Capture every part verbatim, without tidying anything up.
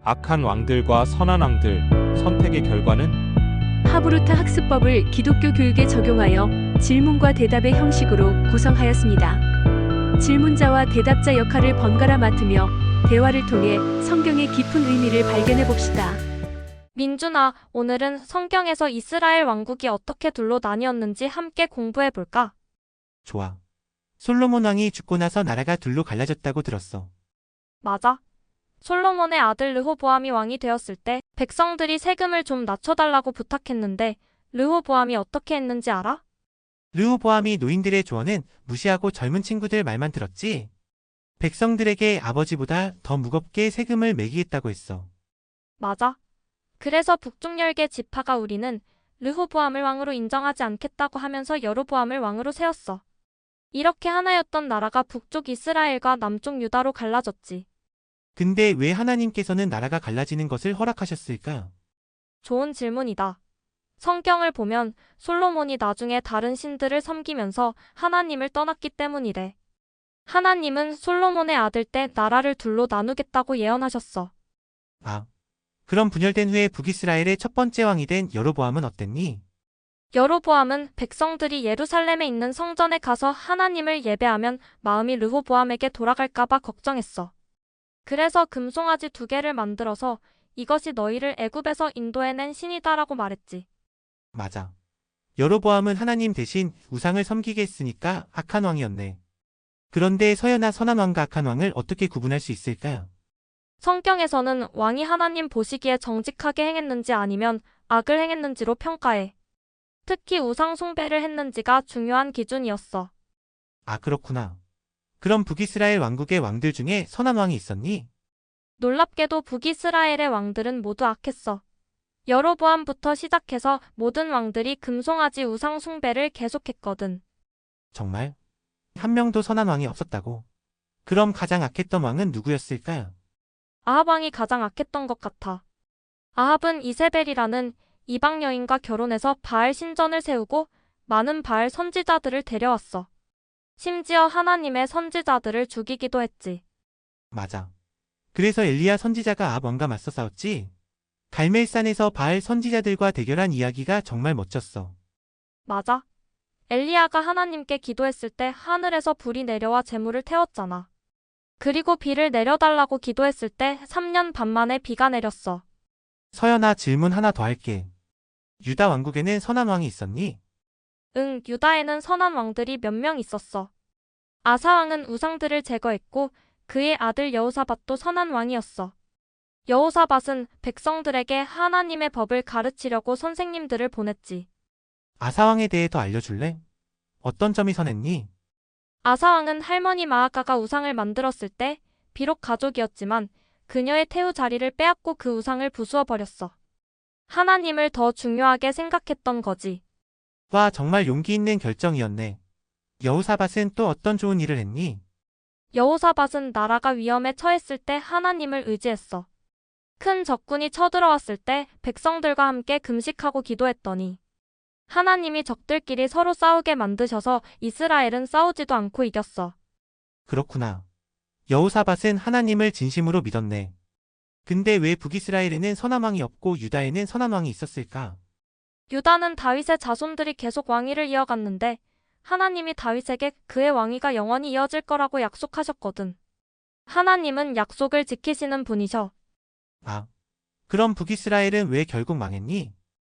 악한 왕들과 선한 왕들, 선택의 결과는? 하브루타 학습법을 기독교 교육에 적용하여 질문과 대답의 형식으로 구성하였습니다. 질문자와 대답자 역할을 번갈아 맡으며 대화를 통해 성경의 깊은 의미를 발견해 봅시다. 민준아, 오늘은 성경에서 이스라엘 왕국이 어떻게 둘로 나뉘었는지 함께 공부해 볼까? 좋아. 솔로몬 왕이 죽고 나서 나라가 둘로 갈라졌다고 들었어. 맞아. 솔로몬의 아들 르호보암이 왕이 되었을 때 백성들이 세금을 좀 낮춰달라고 부탁했는데 르호보암이 어떻게 했는지 알아? 르호보암이 노인들의 조언은 무시하고 젊은 친구들 말만 들었지. 백성들에게 아버지보다 더 무겁게 세금을 매기겠다고 했어. 맞아. 그래서 북쪽 열 개 지파가 우리는 르호보암을 왕으로 인정하지 않겠다고 하면서 여로보암을 왕으로 세웠어. 이렇게 하나였던 나라가 북쪽 이스라엘과 남쪽 유다로 갈라졌지. 근데 왜 하나님께서는 나라가 갈라지는 것을 허락하셨을까? 좋은 질문이다. 성경을 보면 솔로몬이 나중에 다른 신들을 섬기면서 하나님을 떠났기 때문이래. 하나님은 솔로몬의 아들 때 나라를 둘로 나누겠다고 예언하셨어. 아, 그럼 분열된 후에 북이스라엘의 첫 번째 왕이 된 여로보암은 어땠니? 여로보암은 백성들이 예루살렘에 있는 성전에 가서 하나님을 예배하면 마음이 르호보암에게 돌아갈까봐 걱정했어. 그래서 금송아지 두 개를 만들어서 이것이 너희를 애굽에서 인도해낸 신이다라고 말했지. 맞아. 여로보암은 하나님 대신 우상을 섬기게 했으니까 악한 왕이었네. 그런데 서연아, 선한 왕과 악한 왕을 어떻게 구분할 수 있을까? 성경에서는 왕이 하나님 보시기에 정직하게 행했는지 아니면 악을 행했는지로 평가해. 특히 우상 숭배를 했는지가 중요한 기준이었어. 아, 그렇구나. 그럼 북이스라엘 왕국의 왕들 중에 선한 왕이 있었니? 놀랍게도 북이스라엘의 왕들은 모두 악했어. 여로보암부터 시작해서 모든 왕들이 금송아지 우상 숭배를 계속했거든. 정말? 한 명도 선한 왕이 없었다고? 그럼 가장 악했던 왕은 누구였을까? 아합 왕이 가장 악했던 것 같아. 아합은 이세벨이라는 이방 여인과 결혼해서 바알 신전을 세우고 많은 바알 선지자들을 데려왔어. 심지어 하나님의 선지자들을 죽이기도 했지. 맞아. 그래서 엘리야 선지자가 아합 왕과 맞서 싸웠지? 갈멜산에서 바알 선지자들과 대결한 이야기가 정말 멋졌어. 맞아. 엘리야가 하나님께 기도했을 때 하늘에서 불이 내려와 재물을 태웠잖아. 그리고 비를 내려달라고 기도했을 때 삼 년 반 만에 비가 내렸어. 서연아, 질문 하나 더 할게. 유다 왕국에는 선한 왕이 있었니? 응, 유다에는 선한 왕들이 몇 명 있었어. 아사왕은 우상들을 제거했고 그의 아들 여호사밧도 선한 왕이었어. 여호사밧은 백성들에게 하나님의 법을 가르치려고 선생님들을 보냈지. 아사왕에 대해 더 알려줄래? 어떤 점이 선했니? 아사왕은 할머니 마아가가 우상을 만들었을 때 비록 가족이었지만 그녀의 태우 자리를 빼앗고 그 우상을 부수어 버렸어. 하나님을 더 중요하게 생각했던 거지. 와, 정말 용기 있는 결정이었네. 여호사밧은 또 어떤 좋은 일을 했니? 여호사밧은 나라가 위험에 처했을 때 하나님을 의지했어. 큰 적군이 쳐들어왔을 때 백성들과 함께 금식하고 기도했더니 하나님이 적들끼리 서로 싸우게 만드셔서 이스라엘은 싸우지도 않고 이겼어. 그렇구나. 여호사밧은 하나님을 진심으로 믿었네. 근데 왜 북이스라엘에는 선한 왕이 없고 유다에는 선한 왕이 있었을까? 유다는 다윗의 자손들이 계속 왕위를 이어갔는데 하나님이 다윗에게 그의 왕위가 영원히 이어질 거라고 약속하셨거든. 하나님은 약속을 지키시는 분이셔. 아, 그럼 북이스라엘은 왜 결국 망했니?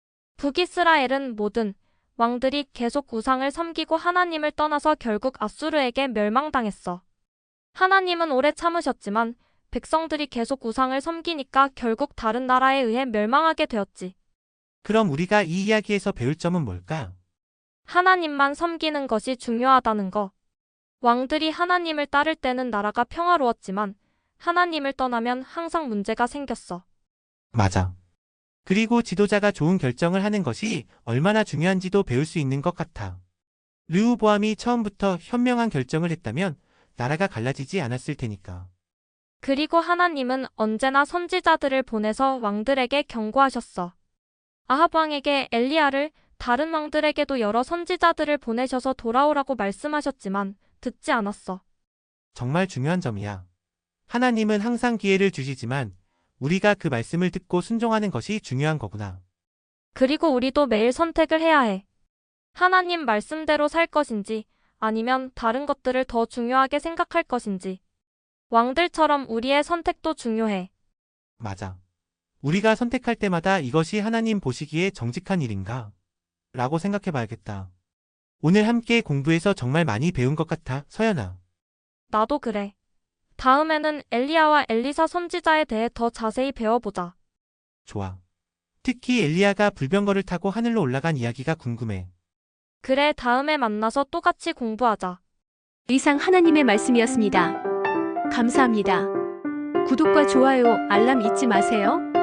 북이스라엘은 모든 왕들이 계속 우상을 섬기고 하나님을 떠나서 결국 아수르에게 멸망당했어. 하나님은 오래 참으셨지만 백성들이 계속 우상을 섬기니까 결국 다른 나라에 의해 멸망하게 되었지. 그럼 우리가 이 이야기에서 배울 점은 뭘까? 하나님만 섬기는 것이 중요하다는 거. 왕들이 하나님을 따를 때는 나라가 평화로웠지만 하나님을 떠나면 항상 문제가 생겼어. 맞아. 그리고 지도자가 좋은 결정을 하는 것이 얼마나 중요한지도 배울 수 있는 것 같아. 르호보암이 처음부터 현명한 결정을 했다면 나라가 갈라지지 않았을 테니까. 그리고 하나님은 언제나 선지자들을 보내서 왕들에게 경고하셨어. 아합 왕에게 엘리야를, 다른 왕들에게도 여러 선지자들을 보내셔서 돌아오라고 말씀하셨지만 듣지 않았어. 정말 중요한 점이야. 하나님은 항상 기회를 주시지만 우리가 그 말씀을 듣고 순종하는 것이 중요한 거구나. 그리고 우리도 매일 선택을 해야 해. 하나님 말씀대로 살 것인지 아니면 다른 것들을 더 중요하게 생각할 것인지. 왕들처럼 우리의 선택도 중요해. 맞아. 우리가 선택할 때마다 이것이 하나님 보시기에 정직한 일인가? 라고 생각해 봐야겠다. 오늘 함께 공부해서 정말 많이 배운 것 같아, 서연아. 나도 그래. 다음에는 엘리야와 엘리사 선지자에 대해 더 자세히 배워보자. 좋아. 특히 엘리야가 불병거를 타고 하늘로 올라간 이야기가 궁금해. 그래, 다음에 만나서 또 같이 공부하자. 이상 하나님의 말씀이었습니다. 감사합니다. 구독과 좋아요, 알람 잊지 마세요.